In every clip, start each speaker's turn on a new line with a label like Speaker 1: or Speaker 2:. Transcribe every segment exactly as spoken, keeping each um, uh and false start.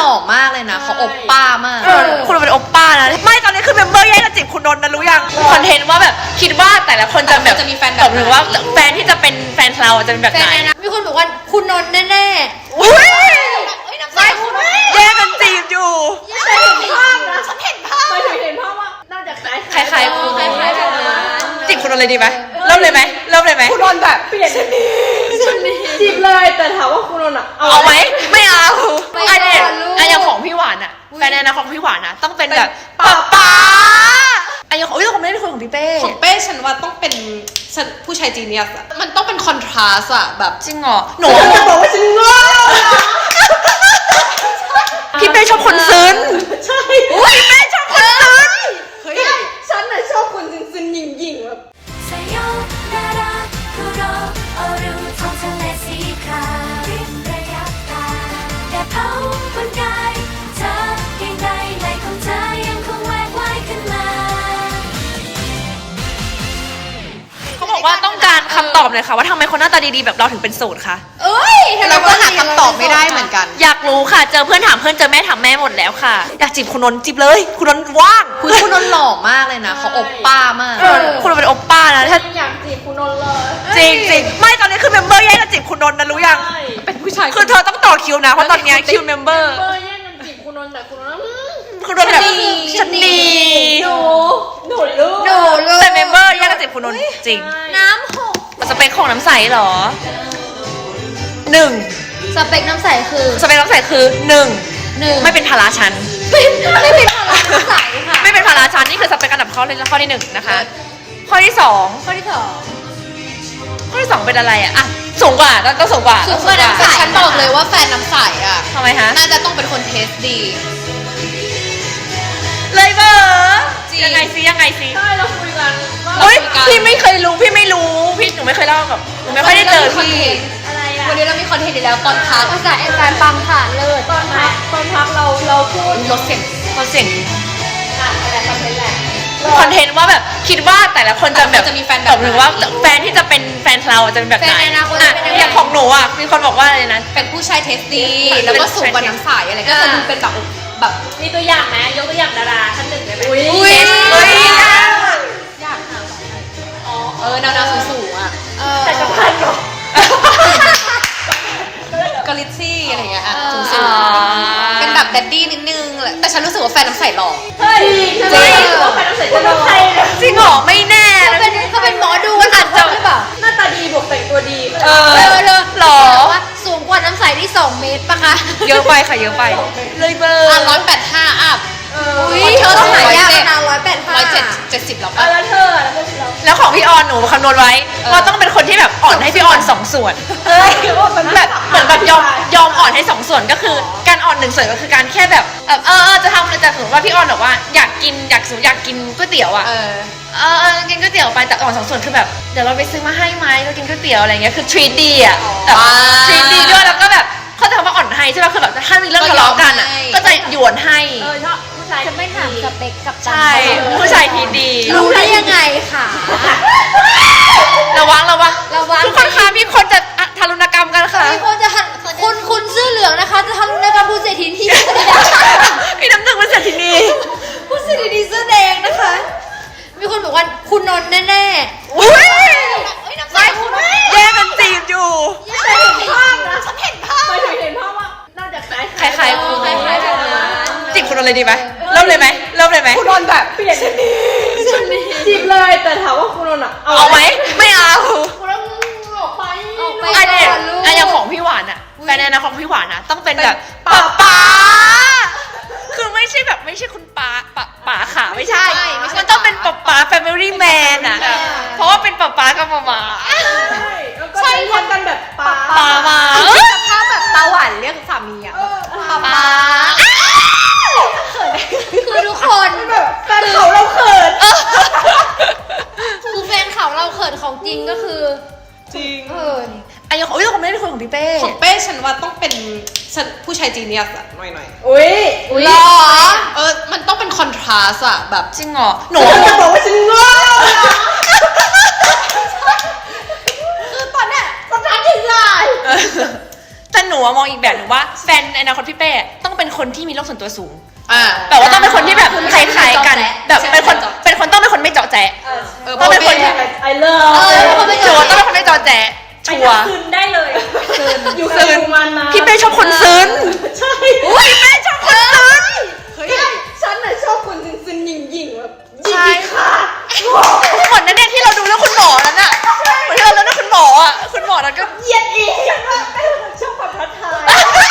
Speaker 1: ล่อมากเลยนะเขาโอปป้ามาก
Speaker 2: คุณเป็นโอปป้านะไม่ตอนนี้คือเมมเบอร์แย่งกันจีบคุณนนท์นะรู้ยังคอนเทนต์ว่าแบบคิดว่าแต่ละคนจะแบบ
Speaker 1: จะมีแฟนแบบ
Speaker 2: หรือว่าแฟนที่จะเป็นแฟนเราจะเป็นแบบไหน
Speaker 3: มีคนบอกว่าคุณนนท์แน่ๆ
Speaker 2: อุ้ย
Speaker 3: ไม่คุณ
Speaker 2: แย่งกันจีบอยู่
Speaker 3: ฉันเห็นภาพนะฉันเห็นภาพ
Speaker 4: ไม่ถึงเห็นภาพว่าน่าจะคล้าย
Speaker 2: คล้ายๆคุณ
Speaker 3: คล้ายๆแบบนั้น
Speaker 2: จีบคุณนนท์เลยดีไหมเริ่มเลยไหมเริ่มเลยไหม
Speaker 4: คุณนนท์แบบเปลี่ยนจีบเลยแต่ถามว่าคุณนนท์อะ
Speaker 2: เอาไหมไม่เอาอันนี้อันอย่างของพี่หวานอะแฟนในนะของพี่หวานอะต้องเป็นแบบป๊าป๊าอันอย่างของอุ้ยผมไม่ได้คุยของพี่เป้
Speaker 1: ของเป้ฉันว่าต้องเป็นผู้ชายจีเนียสอะมันต้องเป็นคอนทราสอะแบบ
Speaker 2: จริงเหรอหนู
Speaker 4: จะบอกว่าฉันโง่
Speaker 2: พี่เป้ชอบคนซึ้ง
Speaker 4: ใช่
Speaker 2: พี่เป้ชอบคนซึ้ง
Speaker 4: เฮ้ยฉันน่ะชอบคนซึ้งๆหยิ่งๆแบบ
Speaker 2: เขาบอกว่าต้องการคำตอบเลยค่ะว่าทำไมคนหน้าตาดีๆแบบเราถึงเป็นโสดคะ
Speaker 3: เอ้ย
Speaker 1: เราก็หาคำตอบไม่ได้เหมือนกัน
Speaker 2: อยากรู้ค่ะเจอเพื่อนถามเพื่อนเจอแม่ถามแม่หมดแล้วค่ะอยากจีบคุณนนท์จีบเลยคุณนนท์ว่าง
Speaker 1: คุณคุณนนท์หล่อมากเลยนะเขาโอปป้ามาก
Speaker 2: คุณเป็นโอปป้านะถ้า
Speaker 4: อยากจีบคุณนนท์เลย
Speaker 2: จริงจริงไม่ตอนนี้คือเมมเบอร์แย่งกันจีบคุณนนท์นะรู้ยัง
Speaker 1: เป็นผู้ชาย
Speaker 2: คือเธอต้องต่อคิวนะเพราะตอนนี้คิวเมมเบอร์
Speaker 4: เบอร์แย่งกันจีบคุณนนท์แต่คุณนนท์
Speaker 2: คุณนนท์แบบฉันดี
Speaker 4: หนูหนูลูก
Speaker 3: หนูลูก
Speaker 2: แต่เมมเบอร์แย่งกันจีบคุณนนท์จริง
Speaker 3: น้ำหก
Speaker 2: สเปคของน้ำใสเหรอหนึ่ง
Speaker 3: สเปคน้ำใสคือ
Speaker 2: สเปคน้ำใสคือหนึ่ง
Speaker 3: หนึ่ง
Speaker 2: ไม่เป็นภาระฉัน
Speaker 3: ไม่เป็นภาระน้ำใสค่ะ
Speaker 2: ไม่เป็นภาระฉันนี่คือสเปคอันดับข้อที่ข้อที่หนึ่งนะคะข้อที่สอง
Speaker 3: ข้อที่สอง
Speaker 2: ข้อที่สองเป็นอะไรอะอ่ะสูงกว่าต้องสูงกว่า
Speaker 3: สูงกว่าน้ำใส
Speaker 1: ฉันบอกเลยว่าแฟนน้ำใสอะ
Speaker 2: ทำไมฮะ
Speaker 1: น่าจะต้องเป็นคนเทสดี
Speaker 2: เลยเบอร์ยังไงซิยังไงซิ
Speaker 4: ใช่เราคุยกัน
Speaker 2: เฮ้ยพี่ไม่เคยรู้พี่ไม่รู้พี่หนูไม่เคยเล่ากับหนูไม่ค่อยได้เจอพี่
Speaker 3: อะไรอะ
Speaker 1: วันนี้เรามีคอนเทนต์อีกแล้วตอนพัก
Speaker 3: ภาษาเอ็นการปังค่ะเลิศ
Speaker 4: ตอนพักตอนพักเราเราพูด
Speaker 1: ลดเสียง
Speaker 2: ลดเสียง
Speaker 4: อะไรคอนเทนต์แหละ
Speaker 2: คอนเทนต์ว่าแบบคิดว่าแต่ละคนจะแบบ
Speaker 1: จะมีแฟนแบบ
Speaker 2: หรือว่าแฟนที่จะเป็นแฟนเราจะเป็นแบบไหนอย่างของหนูอ่ะมีคนบอกว่าอะไรนะ
Speaker 1: เป็นผู้ชายเทสดีแล้วก็สูงกว่าน้ำใสอะไรก็จะดูเป็นแบบแบบ
Speaker 4: มีตัวอย่างไหมยกตัวอย่างดาราท่านหนึ่งได้ไหม
Speaker 2: อุ้ย
Speaker 1: อุ้ยอยากถามอ๋อเออแนวๆสูงๆอ่ะ
Speaker 4: แต่จะพันหร
Speaker 1: อกอลิซี่อะไรเงี้ยอ่ะสูงๆเป็นแบบแดดดี้นิดนึงแหละแต่ฉันรู้สึกว่าแฟนน้ำใสหล่อ
Speaker 4: เฮ้ยจริงแฟนน้ำใสจะหล่อ
Speaker 2: จริงเหรอไม่แน่
Speaker 3: เขาเป็นเขาเป็นหมอดูอาจจะหรือเปล่า
Speaker 4: หน้าตาดีบวกแต่งตัวดี
Speaker 2: เออ
Speaker 3: หรอว่าสูงกว่าน้ำใสที่สองเมตรปะคะ
Speaker 2: เยอะไปค่ะเยอะไปเลยเบอร์
Speaker 1: อ่ะร้อยแปดห้าอัพ
Speaker 3: อุ้ยเธอต้องหายากนะร้อยแปดห้า
Speaker 1: ร้อยเจ็ดเจ็ดสิบแล้วป่ะ
Speaker 4: แล้วเธอแล้วเธอ
Speaker 2: แล้วของพี่ออนหนูคำนวณไว้ว่าต้องเป็นคนที่แบบอ่อนให้พี่ออนสองส่วนแบบเหมือนแบบยอมยอมอ่อนให้สองส่วนก็คือการอ่อนหนึ่งส่วนก็คือการแค่แบบเออเออจะทำจะสมมติว่าพี่ออนบอกว่าอยากกินอยากสูอยากกินก๋วยเตี๋ยวอ่ะเออเออกินก๋วยเตี๋ยวไปแต่อ่อนสองส่วนคือแบบเดี๋ยวเราไปซื้อมาให้ไหมเรากินก๋วยเตี๋ยวอะไรเงี้ยคือทรีดีอ่ะแบบทรีดีด้วยแล้วก็แบบเขาจะทำว่าอ่อนให้ใช่ไหมคือแบบถ้ามีเรื่องทะเลาะกันอ่ะก็จะหยวนให้
Speaker 4: เออชอบผู้ชาย
Speaker 3: จะไม่ถามสเปคกับ
Speaker 2: ใช่ผู้ชายทีดี
Speaker 3: รู้ได้ยังไงค่ะ
Speaker 2: ระวังระวัง
Speaker 3: ระวัง
Speaker 2: ทุกคนคะมีคนจะทารุณกรรมกันค่ะ
Speaker 3: มีคนจะคุณคุณเสื้อเหลืองนะคะจะทารุณกรรมผู้เศรษฐีที่
Speaker 2: พี่น้ำหนึ่งเป็นเศรษฐีนี
Speaker 3: ผู้เศรษฐีเสื้อแดงนะคะมีคนบอกว่าคุณนนท์แน่ๆ
Speaker 2: อุ้ยไม่แย่งกันจีบอยู่
Speaker 3: ฉันเห็นภาพนะฉันเห็นภาพ
Speaker 4: ไม่ถึงเห็นภาพว่าน่าจะคล้าย
Speaker 2: ๆคล้ายๆคุณ
Speaker 3: คล้ายๆแบบนั้น
Speaker 2: จีบคุณนนท์เลยดีไหมเริ่มเลยไหมเริ่มเลยไหม
Speaker 4: คุณนนท์แบบเปลี่ยนจีบเลยแต่ถามว่าคุณนนท์อะ
Speaker 2: เอาไหมไม่เอา
Speaker 4: คุณนนท์ออกไป
Speaker 3: ออกไป
Speaker 2: อันนี้อันอย่างของพี่หวานอะแฟนในนะของพี่หวานนะต้องเป็นแบบป๋าป๋าคือไม่ใช่แบบไม่ใช่คุณป๋าป๋าป๋าขาไม่ใช่มันต้องเป็นป๋าป๋า family man อะเพราะว่าเป็นป๋าป๋ากับมาม่า
Speaker 4: ใช่ทำกันแบบป๋า
Speaker 2: ป๋ามา
Speaker 1: ถ้าแบบตาหวานเรียกสามีอะป๋าป๋า
Speaker 3: คือทุกคน
Speaker 4: แบบแฟนเขาเราเขิน
Speaker 3: คือแฟนเขาเราเขินของจริงก็คือ
Speaker 2: จริง
Speaker 3: เขิน
Speaker 2: อันนี้ของอุ้ยผมไม่ได้คุยของพี่เป้
Speaker 1: ของเป้ฉันว่าต้องเป็นผู้ชายจีเนียสอะหน่อยหน่อย
Speaker 4: อุ้ย
Speaker 3: หรอ
Speaker 1: เออมันต้องเป็นคอนทราสอะแบบ
Speaker 2: จริงเหรอหนู
Speaker 4: จะบอกว่าฉันโง่
Speaker 1: คือตอนเนี้ย
Speaker 4: คอนทราสที่ไร
Speaker 2: แต่หนูมองอีกแบบหนูว่าแฟนในอนาคตพี่เป้ต้องเป็นคนที่มีโลกส่วนตัวสูง
Speaker 1: อ่า
Speaker 2: แบบว่าต้องเป็นคนที่แบบคล้ายๆกันแบบเป็นคนเป็นคนต้องเป็นคนไม่เจาะแจ๊ะ
Speaker 1: เออ
Speaker 2: ต้องเป็นคนที่
Speaker 4: ไอเลิฟ
Speaker 3: เออเป็นคนไม่
Speaker 2: ชั
Speaker 3: เจ
Speaker 2: ว
Speaker 3: อ
Speaker 2: ร์ต้องเป็นคนไม่เจาะแจ๊ะชัวร์
Speaker 4: คืนได้เลยคืนอยู่
Speaker 2: ซึน
Speaker 4: มันนะ
Speaker 2: พี่เป้ชอบคนซึน
Speaker 4: ใช่
Speaker 2: อุ้ยพี่เป้ชอบคนซึน
Speaker 1: เฮ้ย
Speaker 4: ฉันน่ะชอบคนซึนๆหยิ่งๆแบบหยิ่
Speaker 2: ใช่
Speaker 4: งๆค่ะ
Speaker 2: เหมือนนั่นเนี่ยที่เราดูเรื่องคุณหมอนั้นอะเหมือนที่เราดูเรื่องคุณหมออะคุณหมอนั้นก็
Speaker 4: เหยียดอีกฉันว่าเป้ชอบความท้าทาย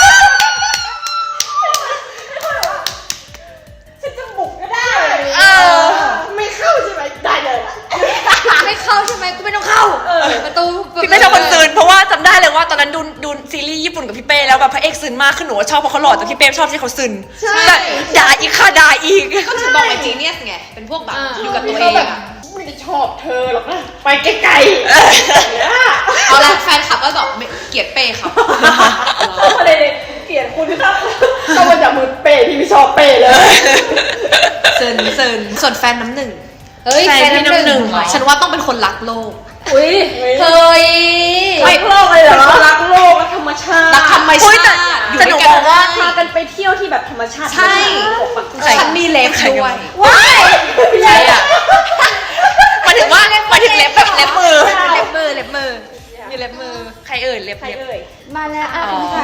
Speaker 4: ฉันจะบุกก็ได้
Speaker 2: เออ
Speaker 4: ไม่เข้าใช่ไหมได้เลย
Speaker 3: ไม่เข้าใช่ไหมกูไม่ต้องเข้าประตู
Speaker 2: พี่เป้ชอบคนซึนเพราะว่าจำได้เลยว่าตอนนั้นดูดูซีรีส์ญี่ปุ่นกับพี่เป้แล้วแบบพระเอกซึนมากขึ้นหนูว่าชอบเพราะเขาหล่อแต่พี่เป้ชอบที่เขาซึนแบบด่าอีกค่ะด่าอีก
Speaker 1: ก็ถึงบอกไอ้จีเนียสไง เป็นพวกแบบอยู่กับตัวเอง
Speaker 4: แบบ
Speaker 1: อะ
Speaker 4: ไม่ได้ชอบเธอหรอกนะไปไกลๆ
Speaker 1: เอาละแฟนคลับก็บอกไม่เกลียดเป้ครับ
Speaker 4: เข้ามาเลยเปลี่ยนคุณครับเข้ามาจากมือเป้ที่ไม่ชอบเป้เลย
Speaker 1: เซินเซินส่วนแฟนน้ำหนึ่ง
Speaker 3: เฮ้ย
Speaker 2: แฟนพี่น้ำหนึ่ง
Speaker 1: ฉันว่าต้องเป็นคนรักโลก
Speaker 4: อุ้ย
Speaker 3: เฮ้ย
Speaker 4: รักโลกเลยเหรอรักโลกและธรรมชาติ
Speaker 1: รักธรรม
Speaker 2: อุ๊
Speaker 1: ชาย
Speaker 2: แต่
Speaker 1: ติอยู่
Speaker 2: แต่หนู
Speaker 1: ด้วยกัน
Speaker 2: บอกว่า
Speaker 4: พากันไปเที่ยวที่แบบธรรมชาติ
Speaker 1: ใช่ ฉันมีเล็บด้วย
Speaker 4: ว้าย
Speaker 1: ใช่อะ
Speaker 2: หมายถึงว่าหมายถึงเล็บแบบเล็บมือ
Speaker 1: เล็บมือเล็บมือมีเล็บมือ
Speaker 2: ใครเอ่ยเล็บ
Speaker 4: ใคร
Speaker 2: เล็บ
Speaker 4: เอ่ย
Speaker 3: มาแล้วอ่ะ
Speaker 2: อ๋อ
Speaker 3: พี่ไข่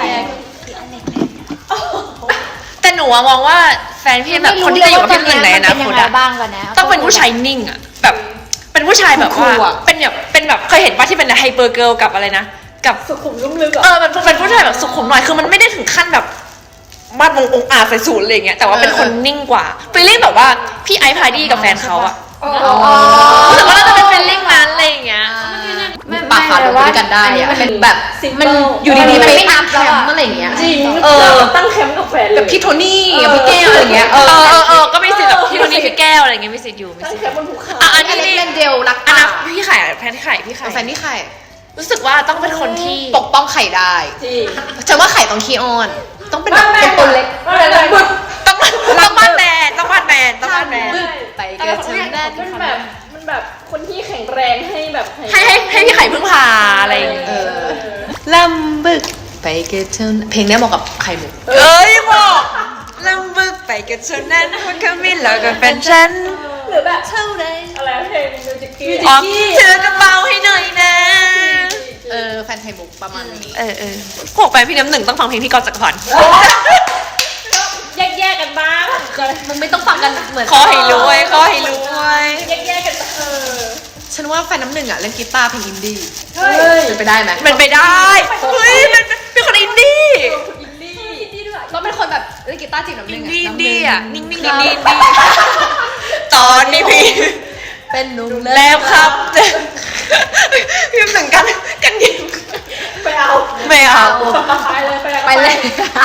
Speaker 2: แต่หนูอะมองว่าแฟนพี่แบบคนที่จะอยู่กับพี่หนึ่งในอนา
Speaker 3: เป็น
Speaker 2: ค
Speaker 3: ยัง
Speaker 2: ต
Speaker 3: ไง
Speaker 2: อะ
Speaker 3: บ้างกันนะ
Speaker 2: ต้องเป็นผู้ชายนิ่งอะแบบเป็นผู้ชายแบบว่า
Speaker 1: คูลๆอะ
Speaker 2: เป็นแบบเป็นแบบเคยเห็นว่าที่เป็นไฮเปอร์เกิร์ลกับอะไรนะกับ
Speaker 4: สุขุมลุ่มลึกเหร
Speaker 2: เอ
Speaker 4: อ
Speaker 2: อมันเป็นผู้ชายแบบสุขุมหน่อยคือมันไม่ได้ถึงขั้นแบบมาดวงองค์อาจใส่สูทอะไรอย่างเงี้ยแต่ว่าเป็นคนนิ่งกว่าฟีลลิ่งแบบว่าพี่ไอซ์พาร์ดี้กับแฟนเขาอะ
Speaker 3: อ๋อ
Speaker 2: รู้สึกว่าเราจะเป็นฟีลลิ่งนั้นอะไรอย่างเงี้ย
Speaker 3: ไม่
Speaker 1: ปากขาดลงไปด้วยกันได้อะเป็นแบบมันอยู่ดีๆไปตามแคมป์อะไรอย่างเงี้ย
Speaker 4: จริง
Speaker 1: เออ
Speaker 4: ตั้งแคมป์กับแฟนเลย
Speaker 1: กับพี่โทนี่กับพี่แก้วอะไรอย่างเงี้ย
Speaker 2: เออเออเออก็มีสิทธิ์แบบพี่โทนี่พี่แก้วอะไรอย่างเงี้ยมีสิทธิ์อยู่มี
Speaker 4: ตั้ง
Speaker 2: สิทธิ์
Speaker 4: แคมป์บนภูเขา
Speaker 2: อ่ะอัน
Speaker 1: อัน
Speaker 2: นี้
Speaker 1: นี้
Speaker 2: นี่
Speaker 1: เล่นเดียวรัก
Speaker 2: อัน
Speaker 1: ป่า
Speaker 2: นั้นพี่ไข่แฟนไข่พี่ไข่
Speaker 1: แฟนนี่ไข่
Speaker 2: รู้สึกว่าต้องเป็นคนที่
Speaker 1: ปกป้องไข่ได้
Speaker 4: จริง
Speaker 1: ฉันว่าไข่ต้องขี้อ้อน ต้องเป็นแบบเป็นตัวเล็ก
Speaker 4: ไม่เป็นไร
Speaker 2: ต้องต้องบ้านแมนต้องบ้านแมนต้องบ้านแมน
Speaker 1: ไป
Speaker 4: แต่
Speaker 1: เกิด
Speaker 4: คน
Speaker 1: ฉัน
Speaker 4: เนี้ย
Speaker 1: ได้
Speaker 4: มันแบบมันแบบคนที่แข็งแรงให้แบบ
Speaker 2: ให้ให้ให้พี่ไข่พึ่งพาอะไรอย่างเงี้ย
Speaker 1: เออลำบึกไปเกิดฉันเพลงเนี้ยเหมาะกับไข่มุก
Speaker 2: เอ้ยบอกลำบึกไปกับเธอนั้นคนเขาไม่หลอกกับแฟนฉัน
Speaker 4: หรือแบบ
Speaker 1: เท่าไร
Speaker 4: อะไรเพลงมิวสิกกี้
Speaker 2: อ๋อเธอกระเป๋าให้หน่อยนะ
Speaker 1: เออแฟนไข่มุกประมาณนี้
Speaker 2: เออเออพวกแฟนพี่น้ำหนึ่งต้องฟังเพลงพี่กอล์ฟจักรพันธ์
Speaker 4: แยกๆกันบ้าง
Speaker 1: มึงไม่ต้องฟังกันเหมือน
Speaker 2: ขอให้รวยขอให้รวย
Speaker 4: แยกๆกันบ้างเออ
Speaker 1: ฉันว่าแฟนน้ำหนึ่งอ่ะเล่นกีตาร์เพลงอินดี้
Speaker 4: เฮ้ย
Speaker 1: เป็นไปได้ไหม
Speaker 2: เป็นไปได้เฮ้ยเป็นเป็นคนอินดี้
Speaker 4: อินดี้อินดี้ด้วย
Speaker 1: ต้องเป็นคนแบบเล่นกีตาร์จีบน้ำห
Speaker 2: อิ
Speaker 1: นึ่
Speaker 2: น
Speaker 1: ง
Speaker 2: ดี้อินดี้อ่ะนิ่งๆอิน
Speaker 1: ครับ
Speaker 2: ดี้อินดี้ตอนนี้พี่
Speaker 1: เป็นหนุ่ม
Speaker 2: แล้วครับพี่น้ำหนึ่งกันกันยิง
Speaker 4: ไปเอา
Speaker 2: ไม่เอา
Speaker 4: ไปเลยไปเลย
Speaker 1: ไปเลย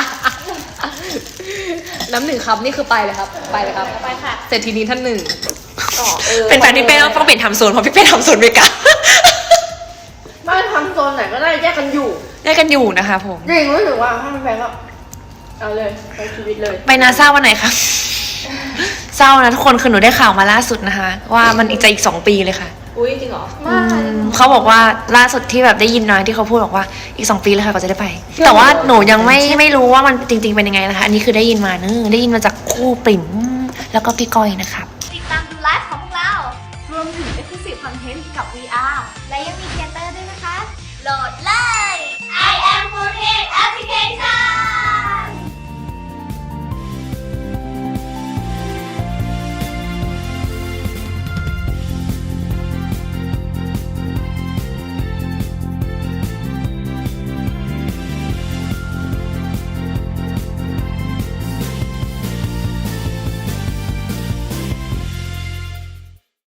Speaker 1: น้ำหนึ่งครับนี่คือไปเลยครับ ไปเลยครับ
Speaker 4: ไปค่ะ
Speaker 1: เศรษฐีนี้ท่านหนึ่ง
Speaker 4: ต่อเออ
Speaker 2: เป็นแฟนพี่เป้ต้องเปลี่ยนทำโซนเพราะพี่เป้ทำโซนเมกา
Speaker 4: บ้านทำโซนไหนก็ได้แยกกันอยู่
Speaker 2: ได้กันอยู่นะคะผม
Speaker 4: จริงรู้สึกว่าถ้ามันแพงก็เอาเลยไปชีวิตเลย
Speaker 2: ไปนาซาวันไหนคะเศร้านะทุกคนคือหนูได้ข่าวมาล่าสุดนะคะ ว่ามันอีกจะอีกสองปีเลยค่ะ
Speaker 4: อุ้ยจริงเหรอ
Speaker 2: อืมเขาบอกว่าล่าสุดที่แบบได้ยินน้อยที่เขาพูดบอกว่าอีกสองปีเลยค่ะก็จะได้ไป แต่ว่าหนูยังไม่ไม่รู้ว่ามันจริง ๆเป็นยังไงนะคะ อันนี้คือได้ยินมาเนอะได้ยินมาจากคู่ปิ่มแล้วก็พี่ก้อยนะครับ